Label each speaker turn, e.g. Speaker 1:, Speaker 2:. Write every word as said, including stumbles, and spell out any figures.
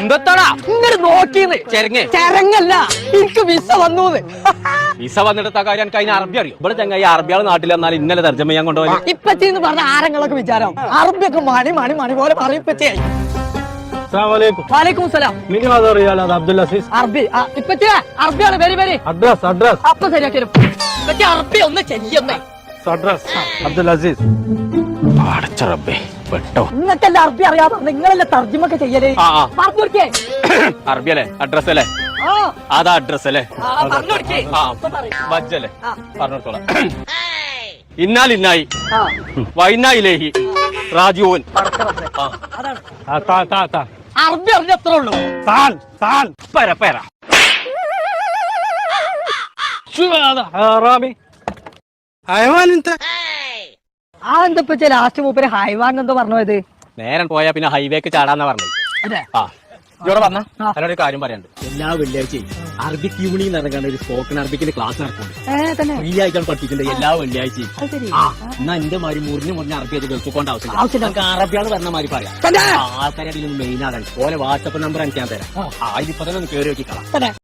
Speaker 1: എന്തത്താടാ
Speaker 2: ഇങ്ങോട്ട് നോക്കിന്ന്
Speaker 1: ചെരങ്ങ്
Speaker 2: ചെരങ്ങല്ല എനിക്ക് വിസ വന്നു
Speaker 1: വിസ വന്നിട്ട് കാര്യം എനിക്ക് അതിന് അറബി അറിയും. ഇവിടെ ചങ്ങായി അറബിയാൾ നാട്ടിൽ വന്നാൽ ഇന്നലെ തർജ്ജമ ചെയ്യാൻ കൊണ്ടുപോയി.
Speaker 2: ഇപ്പച്ചെന്ന് പറഞ്ഞ ആരങ്ങളൊക്കെ വിചാരം അറബിയൊക്കെ മണി മണി മണി പോലെ പറയും ഇപ്പച്ചേ. വാലേക്കും സലാം.
Speaker 3: അബ്ദുൽ അസീസ്
Speaker 2: അറബി ഇപ്പച്ചേ അറബിയാണ് വരി വരി
Speaker 3: അഡ്രസ് അഡ്രസ്
Speaker 2: അപ്പൊ ശരിയാക്കി ഇപ്പച്ചേ അറബി ഒന്ന് ചെയ്യുന്നേ
Speaker 3: അഡ്രസ് അബ്ദുൽ അസീസ്.
Speaker 1: അടച്ച റബ്ബേ പെട്ടോ.
Speaker 2: നിങ്ങൾക്കല്ല അറബി അറിയാതെ നിങ്ങളല്ലേ തർജ്ജമൊക്കെ ചെയ്യലേ.
Speaker 1: ആ, ആ.
Speaker 2: പറഞ്ഞു കൊടുക്കേ.
Speaker 1: അറബി അല്ലേ അഡ്രസ് അല്ലേ
Speaker 2: ആ,
Speaker 1: അതാ അഡ്രസ് അല്ലേ
Speaker 2: ആ, പറഞ്ഞു കൊടുക്കേ.
Speaker 1: ആ
Speaker 2: ഇപ്പൊ പറയ്.
Speaker 1: ബജ്ജല്ലേ
Speaker 2: ആ.
Speaker 1: പറഞ്ഞോളാം. ഇന്നാലിന്നായി
Speaker 2: ആ,
Speaker 1: വൈനായിലേഹി റാജിഊൻ.
Speaker 2: പടച്ചറബ്ബേ.
Speaker 1: ആ.
Speaker 2: അതാണ്
Speaker 3: ആ, താ, താ, താ.
Speaker 2: അറബി അറിഞ്ഞ എത്ര ഉള്ളൂ.
Speaker 3: താൻ താൻ
Speaker 1: പെര പെര
Speaker 3: റാമി ഹൈവാൻ എന്ത്
Speaker 2: ആ എന്താ ഇപ്പച്ചേ ലാസ്റ്റ് മൂപ്പര് ഹൈവാൻ എന്തോ പറഞ്ഞു പോയത്.
Speaker 1: നേരം പോയാ പിന്നെ ഹൈവേക്ക് ചാടാന്നാ പറഞ്ഞത്.
Speaker 2: അതെ.
Speaker 1: ആ ഇവിടെ പറഞ്ഞ
Speaker 2: ആ.
Speaker 1: അതിനൊരു കാര്യം പറയാനുണ്ട്. എല്ലാ വെള്ളിയാഴ്ചയും അറബിക് യൂണിയൻ നടക്കാണ്ട് ഒരു സ്പോക്കൺ അറബിക്കിന്റെ ക്ലാസ് നടക്കുന്നുണ്ട്.
Speaker 2: ഏ തന്നെ
Speaker 1: ഫ്രീ ആയിട്ടാണ് പഠിപ്പിക്കുന്നത് എല്ലാ വെള്ളിയാഴ്ചയും.
Speaker 2: അത് ശരി.
Speaker 1: ആ എന്നാ എന്റെ മാതിരി മുറിഞ്ഞ് മുറിഞ്ഞ അറബി അത് കേൾക്കൊണ്ട് ആവശ്യമില്ല.
Speaker 2: ആവശ്യമില്ല.
Speaker 1: നമുക്ക് അറബിയാണ് പറഞ്ഞ മാതിരി പറയാം.
Speaker 2: തന്നെ.
Speaker 1: ആൾക്കാരുടെ മെയിൻ ആകാൻ ഓലെ വാട്സപ്പ് നമ്പർ എനിക്ക് ഞാൻ തരാം. ആ ഇതിപ്പോ തന്നെ ഒന്ന് കയറി നോക്കിക്കളാം.
Speaker 2: തന്നെ